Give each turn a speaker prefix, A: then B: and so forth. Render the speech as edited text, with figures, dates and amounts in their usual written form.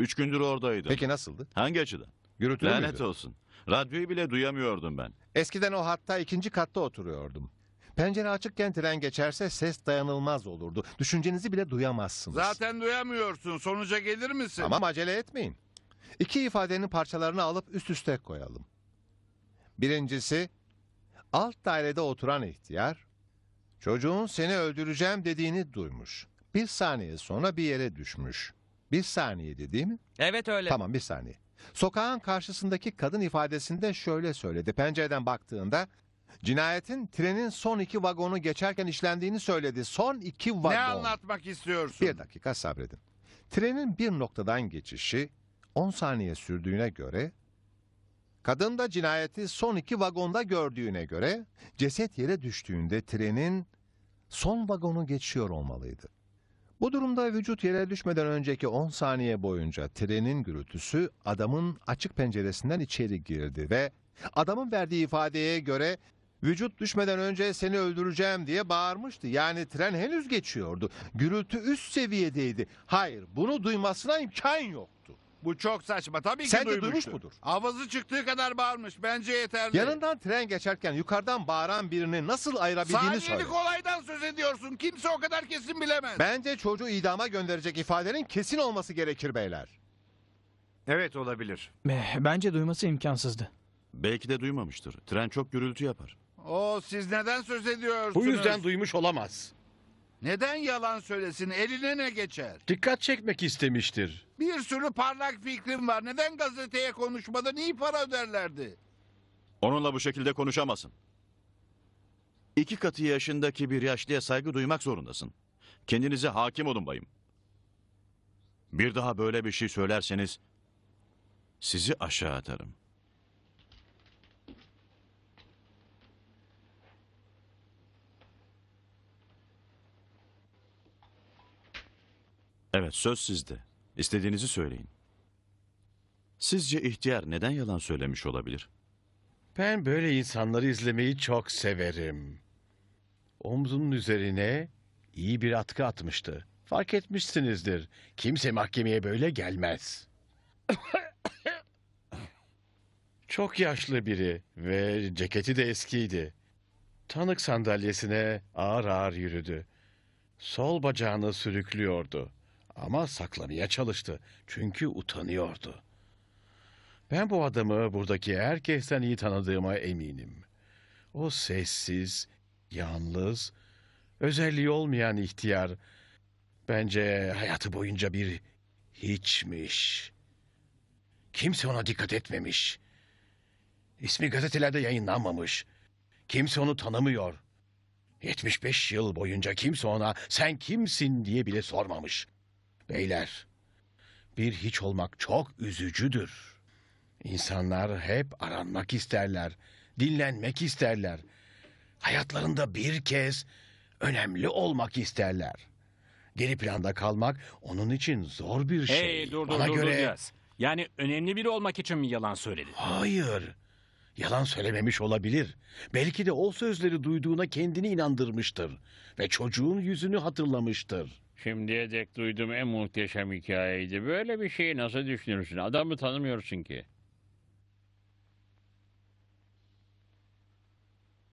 A: 3 gündür oradaydım.
B: Peki nasıldı?
A: Hangi açıdan?
B: Gürültülü
A: Lanet
B: müydü?
A: olsun. Radyoyu bile duyamıyordum ben.
B: Eskiden o hatta ikinci katta oturuyordum. Pencere açıkken tren geçerse ses dayanılmaz olurdu. Düşüncenizi bile duyamazsınız.
C: Zaten duyamıyorsun. Sonuca gelir misin?
B: Tamam, acele etmeyin. İki ifadenin parçalarını alıp üst üste koyalım. Birincisi, alt dairede oturan ihtiyar, çocuğun seni öldüreceğim dediğini duymuş. Bir saniye sonra bir yere düşmüş. Bir saniyeydi değil mi?
D: Evet öyle.
B: Tamam, bir saniye. Sokağın karşısındaki kadın ifadesinde şöyle söyledi. Pencereden baktığında cinayetin trenin son 2 vagonu geçerken işlendiğini söyledi. Son 2 vagon.
C: Ne anlatmak istiyorsun?
B: Bir dakika sabredin. Trenin bir noktadan geçişi 10 saniye sürdüğüne göre, kadın da cinayeti son 2 vagonda gördüğüne göre, ceset yere düştüğünde trenin son vagonu geçiyor olmalıydı. Bu durumda vücut yere düşmeden önceki 10 saniye boyunca trenin gürültüsü adamın açık penceresinden içeri girdi ve adamın verdiği ifadeye göre vücut düşmeden önce seni öldüreceğim diye bağırmıştı. Yani tren henüz geçiyordu. Gürültü üst seviyedeydi. Hayır, bunu duymasına imkan yoktu.
C: Bu çok saçma. Tabii ki
B: Sen de
C: duymuştur.
B: duymuş mudur?
C: Avazı çıktığı kadar bağırmış. Bence yeterli.
B: Yanından tren geçerken yukarıdan bağıran birini nasıl ayırabildiğini söyle.
C: Saniyelik olaydan söz ediyorsun. Kimse o kadar kesin bilemez.
B: Bence çocuğu idama gönderecek ifadenin kesin olması gerekir beyler.
E: Evet, olabilir.
D: Bence duyması imkansızdı.
A: Belki de duymamıştır. Tren çok gürültü yapar.
C: Siz neden söz ediyorsunuz?
E: Bu yüzden duymuş olamaz.
C: Neden yalan söylesin? Eline ne geçer?
E: Dikkat çekmek istemiştir.
C: Bir sürü parlak fikrim var. Neden gazeteye konuşmadan iyi para öderlerdi?
A: Onunla bu şekilde konuşamazsın. 2 katı yaşındaki bir yaşlıya saygı duymak zorundasın. Kendinize hakim olun bayım. Bir daha böyle bir şey söylerseniz sizi aşağı atarım. Evet, söz sizde. İstediğinizi söyleyin. Sizce ihtiyar neden yalan söylemiş olabilir?
E: Ben böyle insanları izlemeyi çok severim. Omzunun üzerine iyi bir atkı atmıştı. Fark etmişsinizdir. Kimse mahkemeye böyle gelmez. Çok yaşlı biri ve ceketi de eskiydi. Tanık sandalyesine ağır ağır yürüdü. Sol bacağını sürüklüyordu. Ama saklamaya çalıştı. Çünkü utanıyordu. Ben bu adamı buradaki herkesten iyi tanıdığıma eminim. O sessiz, yalnız, özelliği olmayan ihtiyar bence hayatı boyunca bir hiçmiş. Kimse ona dikkat etmemiş. İsmi gazetelerde yayınlanmamış. Kimse onu tanımıyor. 75 yıl boyunca kimse ona sen kimsin diye bile sormamış. Beyler, bir hiç olmak çok üzücüdür. İnsanlar hep aranmak isterler, dinlenmek isterler. Hayatlarında bir kez önemli olmak isterler. Geri planda kalmak onun için zor bir şey.
F: Hey dur
E: Bana göre
F: biraz. Yani önemli biri olmak için mi yalan söyledin?
E: hayır. Yalan söylememiş olabilir. Belki de o sözleri duyduğuna kendini inandırmıştır ve çocuğun yüzünü hatırlamıştır.
G: Şimdiye dek duyduğum en muhteşem hikayeydi. Böyle bir şeyi nasıl düşünürsün? Adamı tanımıyorsun ki.